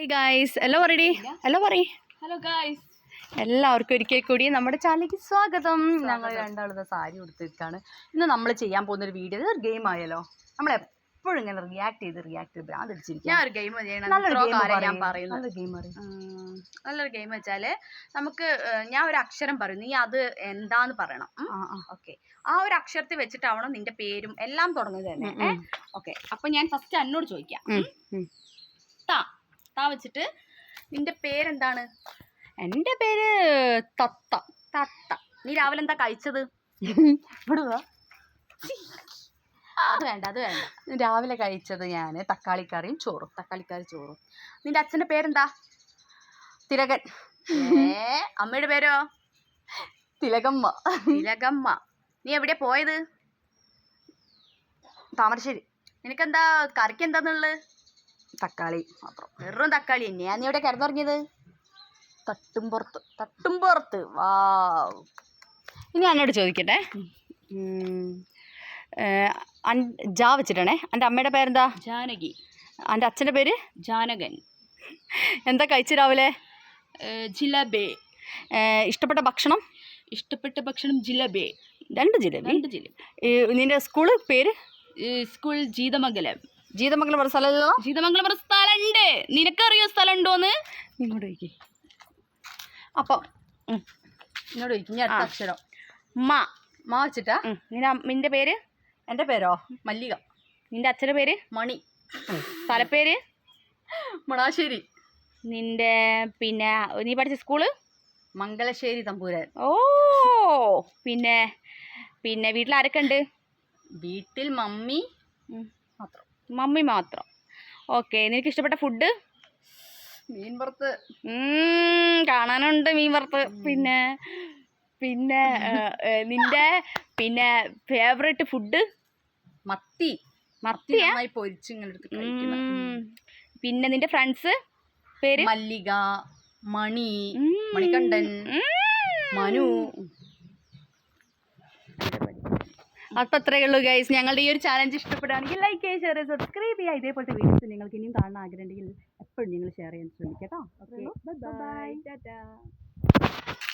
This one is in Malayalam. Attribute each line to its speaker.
Speaker 1: ഹായ് ഗായ്സ്, ഹലോ ഗായ്സ്, എല്ലാവർക്കും ഒരിക്കൽ കൂടി നമ്മുടെ ചാനലിലേക്ക് സ്വാഗതം. ഞങ്ങൾ രണ്ടാളും സാരി കൊടുത്തിട്ടാണ് ഇന്ന് നമ്മൾ ചെയ്യാൻ പോകുന്ന ഒരു വീഡിയോ. ഇതൊരു ഗെയിം ആയല്ലോ. നമ്മൾ എപ്പോഴും ഇങ്ങനെ റിയാക്ട് ചെയ്ത്
Speaker 2: നല്ലൊരു ഗെയിം വെച്ചാല് നമുക്ക് ഞാൻ ഒരു അക്ഷരം പറയും, നീ അത് എന്താന്ന് പറയണം. ഓക്കെ, ആ ഒരു അക്ഷരത്തിൽ വെച്ചിട്ടാവണം നിന്റെ പേരും എല്ലാം തുടങ്ങുന്നത് തന്നെ. ഓക്കെ, അപ്പൊ ഞാൻ ഫസ്റ്റ് എന്നോട് ചോദിക്കാം. താ വെച്ചിട്ട് നിന്റെ പേരെന്താണ്?
Speaker 1: എൻ്റെ പേര് തത്ത.
Speaker 2: നീ രാവിലെ എന്താ കഴിച്ചത്? അത് വേണ്ട.
Speaker 1: രാവിലെ കഴിച്ചത് ഞാൻ തക്കാളിക്കറിയും ചോറും.
Speaker 2: നിന്റെ അച്ഛന്റെ പേരെന്താ?
Speaker 1: തിലകൻ.
Speaker 2: അമ്മയുടെ പേരോ?
Speaker 1: തിലകമ്മ.
Speaker 2: നീ എവിടെയാ പോയത്?
Speaker 1: താമരശ്ശേരി.
Speaker 2: നിനക്കെന്താ കറിക്ക് എന്താന്നുള്ളത്?
Speaker 1: തക്കാളി മാത്രം.
Speaker 2: വെറും തക്കാളി തന്നെയാ. നീ എവിടെ കിടന്നുറങ്ങിയത്?
Speaker 1: തട്ടുംപുറത്ത്. വാവ്. ഇനി എന്നോട് ചോദിക്കട്ടെ. ജാ വെച്ചിട്ടാണേ. എൻ്റെ അമ്മയുടെ പേരെന്താ?
Speaker 2: ജാനകി.
Speaker 1: എൻ്റെ അച്ഛൻ്റെ പേര്?
Speaker 2: ജാനകൻ.
Speaker 1: എന്താ കഴിച്ചു രാവിലെ?
Speaker 2: ജിലേബി.
Speaker 1: ഇഷ്ടപ്പെട്ട ഭക്ഷണം?
Speaker 2: ജിലേബി.
Speaker 1: രണ്ട് ജിലേബി. നിന്റെ സ്കൂള് പേര്?
Speaker 2: സ്കൂൾ ജീതമംഗലം.
Speaker 1: ജീതമംഗലം പറഞ്ഞ സ്ഥലമല്ലോ.
Speaker 2: ജീതമംഗലം പറഞ്ഞ സ്ഥലമുണ്ട്. നിനക്കറിയോ സ്ഥലം ഉണ്ടോന്ന്?
Speaker 1: നിന്നോട് ചോദിക്കേ. അപ്പം
Speaker 2: എന്നോട് ചോദിക്കും. ഞാൻ അടുത്ത അക്ഷരം
Speaker 1: മാ വെച്ചിട്ടാ.
Speaker 2: നിന്റെ പേര്?
Speaker 1: എൻ്റെ പേരോ?
Speaker 2: മല്ലിക.
Speaker 1: നിന്റെ അച്ഛൻ്റെ പേര്?
Speaker 2: മണി.
Speaker 1: സ്ഥലപ്പേര്?
Speaker 2: മണാശ്ശേരി.
Speaker 1: നിന്റെ നീ പഠിച്ച സ്കൂള്?
Speaker 2: മംഗലശ്ശേരി തമ്പൂരാൻ.
Speaker 1: ഓ, പിന്നെ വീട്ടിൽ ആരൊക്കെ ഉണ്ട്?
Speaker 2: വീട്ടിൽ മമ്മി
Speaker 1: മാത്രം. ഓക്കെ, നിനക്ക് ഇഷ്ടപ്പെട്ട ഫുഡ്?
Speaker 2: മീൻ വറുത്ത്.
Speaker 1: കാണാനുണ്ട് മീൻ വറുത്ത്. പിന്നെ നിന്റെ ഫേവറേറ്റ് ഫുഡ്?
Speaker 2: മത്തിയാ പൊരിച്ച് ഇങ്ങനെ എടുത്ത് കഴിക്കണം.
Speaker 1: പിന്നെ നിന്റെ ഫ്രണ്ട്സ് പേര്?
Speaker 2: മല്ലിക, മണി, മണികണ്ഠൻ, മനു.
Speaker 1: അപ്പം അത്രയേ ഉള്ളൂ ഗൈസ്. ഞങ്ങളുടെ ഈ ഒരു ചാലഞ്ച് ഇഷ്ടപ്പെടുകയാണെങ്കിൽ ലൈക്ക് ചെയ്യുക, ഷെയർ ചെയ്യുക, സബ്സ്ക്രൈബ് ചെയ്യുക. ഇതേപോലത്തെ വീഡിയോസ് നിങ്ങൾക്ക് ഇനിയും കാണാൻ ആഗ്രഹമുണ്ടെങ്കിൽ എപ്പോഴും നിങ്ങൾ ഷെയർ ചെയ്യാൻ ശ്രമിക്കാം കേട്ടോ. Okay, by.